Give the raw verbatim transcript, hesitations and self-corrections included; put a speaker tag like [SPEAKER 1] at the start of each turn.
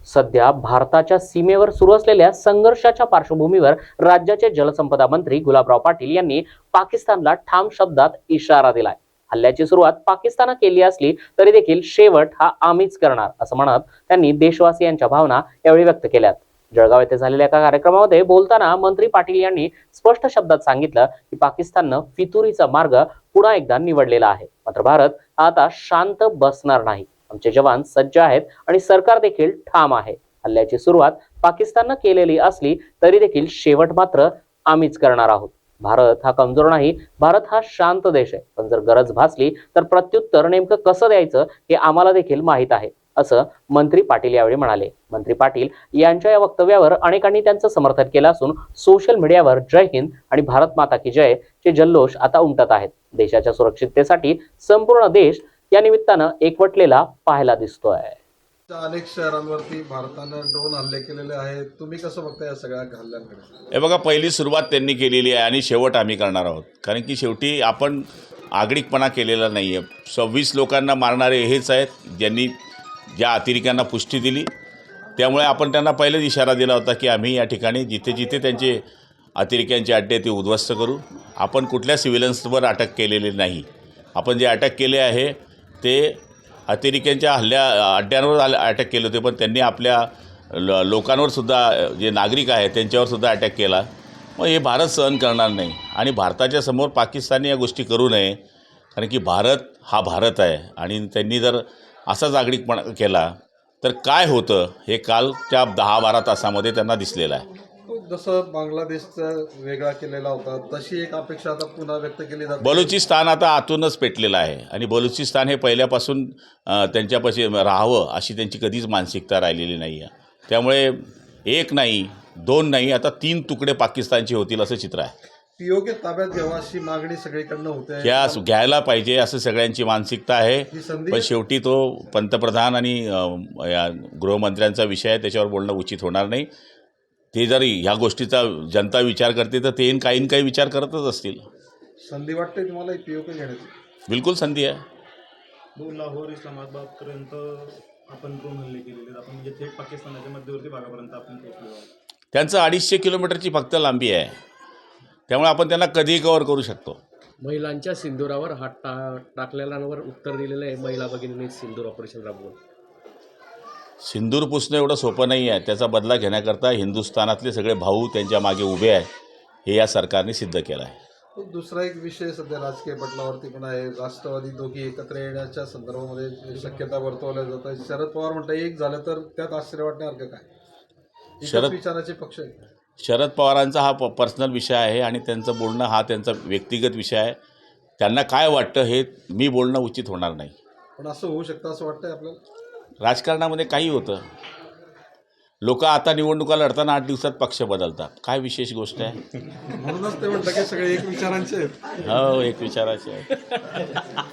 [SPEAKER 1] सध्या भारताच्या सीमेवर सुरू असलेल्या संघर्षाच्या पार्श्वभूमीवर राज्याचे जलसंपदा मंत्री गुलाबराव पाटील यांनी पाकिस्तानला ठाम शब्दात इशारा दिलाय। हल्ल्याची सुरुवात पाकिस्तानने केली असली तरी देखील शेवट हा आम्हीच करणार असं म्हणत त्यांनी देशवासियांच्या भावना यावेळी व्यक्त केल्यात। जळगाव येथे झालेल्या एका कार्यक्रमामध्ये बोलताना मंत्री पाटील यांनी स्पष्ट शब्दात सांगितलं की पाकिस्तानने फितुरीचा मार्ग पुन्हा एकदा निवडलेला आहे, मात्र भारत आता शांत बसणार नाही। आमचे जवान सज्ज आहेत आणि सरकार देखील ठाम आहे। हल्ल्याची सुरुवात पाकिस्तानने केलेली असली तरी देखील शेवट मात्र आम्हीच करणार आहोत। भारत हा कमजोर नाही, भारत हा शांत देश आहे, पण जर गरज भासली तर प्रत्युत्तर नेमकं कसं द्यायचं हे आम्हाला देखील माहीत आहे असं मंत्री पाटील यावेळी म्हणाले। मंत्री पाटील यांच्या या वक्तव्यावर अनेकांनी त्यांचं समर्थन केलं असून सोशल मीडियावर जय हिंद आणि भारत माता की जय चे जल्लोष आता उमटत आहेत। देशाच्या सुरक्षिततेसाठी संपूर्ण देश या निमित्तानं एकवटलेला पाहायला दिसतोय।
[SPEAKER 2] अनेक शहरांवरती भारतानं ड्रोन हल्ले केलेले आहेत, तुम्ही कसं बघता या सगळ्या हल्ल्यांकडे?
[SPEAKER 3] हे बघा, पहिली सुरुवात त्यांनी केलेली आहे आणि शेवट आम्ही करणार आहोत, कारण की शेवटी आपण आगळिकपणा केलेला नाही आहे। सव्वीस लोकांना मारणारे हेच आहेत ज्यांनी ज्या अतिरेक्यांना पुष्टी दिली, त्यामुळे आपण त्यांना पहिलेच इशारा दिला होता की आम्ही या ठिकाणी जिथे जिथे त्यांचे अतिरेक्यांचे अड्डे ते उद्ध्वस्त करू। आपण कुठल्या सिव्हिलन्सवर अटक केलेली नाही, आपण जे अटक केले आहे ते अतिरेक्यांच्या हल्ल्या अड्ड्यांवर अटॅक केले होते, पण त्यांनी आपल्या ल लोकांवर सुद्धा जे नागरिक आहेत त्यांच्यावर सुद्धा अटॅक केला। मग हे भारत सहन करणार नाही आणि भारताच्या समोर पाकिस्तानने या गोष्टी करू नये, कारण की भारत हा भारत आहे आणि त्यांनी जर असाच आगळिकपणा केला तर काय होतं हे कालच्या दहा बारा तासामध्ये त्यांना दिसलेलं आहे।
[SPEAKER 2] जसं बांगलादेशचा वेगळा केलेला होता तशी एक अपेक्षा आता पुन्हा व्यक्त केली जाते।
[SPEAKER 3] बलुचिस्तान आता आतूनच पेटलेलं आहे आणि बलुचिस्तान हे पहिल्यापासून त्यांच्यापाशी राहावं अशी त्यांची कधीच मानसिकता राहिलेली नाही आहे। त्यामुळे एक नाही, दोन नाही, आता तीन तुकडे पाकिस्तानचे होतील असं चित्र आहे।
[SPEAKER 2] पीओके ताब्यात घ्यावा अशी मागणी सगळीकडनं होते,
[SPEAKER 3] ह्या घ्यायला पाहिजे असं सगळ्यांची मानसिकता आहे, पण शेवटी तो पंतप्रधान आणि या गृहमंत्र्यांचा विषय आहे, त्याच्यावर बोलणं उचित होणार नाही। ते जरी ह्या गोष्टीचा जनता विचार करते तर ते काही ना काही विचार करतच असतील।
[SPEAKER 2] संधी वाटते तुम्हाला पीओके घेण्याची?
[SPEAKER 3] बिलकुल संधी आहे।
[SPEAKER 4] दोन लाहोर इस्लामाबादपर्यंत आपण ड्रोन हल्ले केलेले, आपण म्हणजे थेट पाकिस्तानाच्या मध्यवर्ती भागापर्यंत आपण पोहोचलो आहोत।
[SPEAKER 3] त्यांचं अडीचशे किलोमीटरची फक्त लांबी आहे, त्यामुळे आपण त्यांना कधीही कव्हर करू शकतो।
[SPEAKER 5] महिलांच्या सिंदुरावर हात टा टाकलेल्यांवर उत्तर दिलेलं आहे महिला भगिनींनी सिंदूर ऑपरेशन राबवून।
[SPEAKER 3] सिंदूर पुसणं एवढं सोपं नाही आहे, त्याचा बदला घेण्याकरता हिंदुस्थानातले सगळे भाऊ त्यांच्या मागे उभे आहे, हे या सरकारने सिद्ध केलं आहे।
[SPEAKER 2] दुसरा एक विषय सध्या राजकीय पटलावरती पण आहे, राष्ट्रवादी दोघी एकत्र येण्याच्या संदर्भामध्ये शक्यता वर्तवल्या जात आहे। शरद पवार म्हणतात एक झालं तर त्यात आश्चर्य वाटण्यासारखं काय? शरद विचाराचे पक्ष आहे।
[SPEAKER 3] शरद पवारांचा हा प पर्सनल विषय आहे आणि त्यांचं बोलणं हा त्यांचा व्यक्तिगत विषय आहे। त्यांना काय वाटतं हे मी बोलणं उचित होणार नाही।
[SPEAKER 2] पण असं होऊ शकतं असं वाटतंय आपल्याला?
[SPEAKER 3] राजकारणामध्ये काही होतं, लोक आता निवडणुका लढताना आठ दिवसात पक्ष बदलतात, काय विशेष गोष्ट आहे?
[SPEAKER 2] म्हणूनच ते म्हणतात की सगळे एक विचारांचे आहेत।
[SPEAKER 3] हो, एक विचाराचे आहे।